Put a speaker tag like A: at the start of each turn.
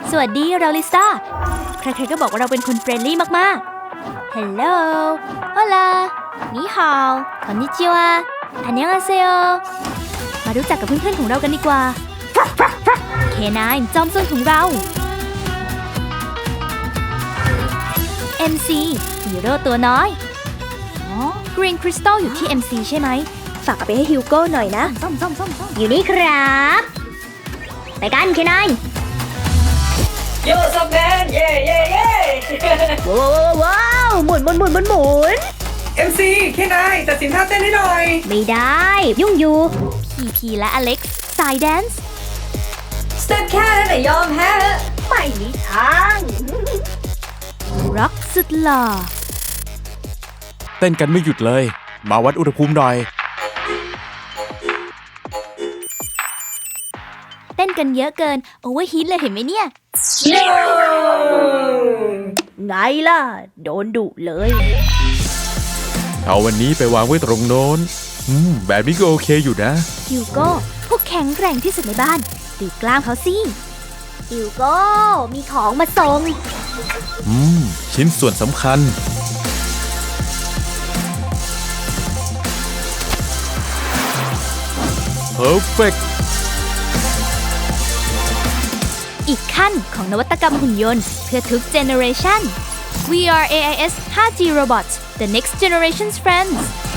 A: สวัสดีเราลิซ่าใครๆก็บอกว่าเราเป็นคนเฟรนลี่มากๆ Hello Hola นี่ฮาวคอนนิจิวะอันยังอาเซโอมารู้จักกับเพื่อนๆของเรากันดีกว่า K9 จอมซนของเรา MC ฮีโร่ตัวน้อย Green Crystal อยู่ที่ MC ใช่ไหม ฝากเอาไปให้ฮิวโก้หน่อยนะอยู่นี่ครับไปกัน K9
B: โยซับแมนเย่เย่เย่
A: ว้าวหมุน
B: MC แค่นายตัดสินท่าเต้นให้หน่อย
A: ไม่ได้ยุ่งอยู่พีและอเล็กซ์สายแดนซ์
B: สเต็ปแค่นั้นแต่ยอมแพ้ไม่มีทาง
A: ร็อกสุดหล่อ
C: เต้นกันไม่หยุดเลย มาวัดอุณหภูมิหน่อย
A: เต้นกันเยอะเกินโอเวอร์ฮีทเลยเห็นไหมเนี่ย ไงล่ะ โดนดุเลย
C: เอาวันนี้ไปวางไว้ตรงโน้นแบบนี้ก็โอเคอยู่นะ
A: ฮิวโก้พวกแข็งแกร่งที่สุดในบ้านดูกล้ามเขาสิฮิวโก้มีของมาส่ง
C: ชิ้นส่วนสำคัญ Perfect
A: อีกขั้นของนวัตกรรมหุ่นยนต์เพื่อทุกเจเนอเรชัน We are AIS 5G Robots The Next Generation's Friends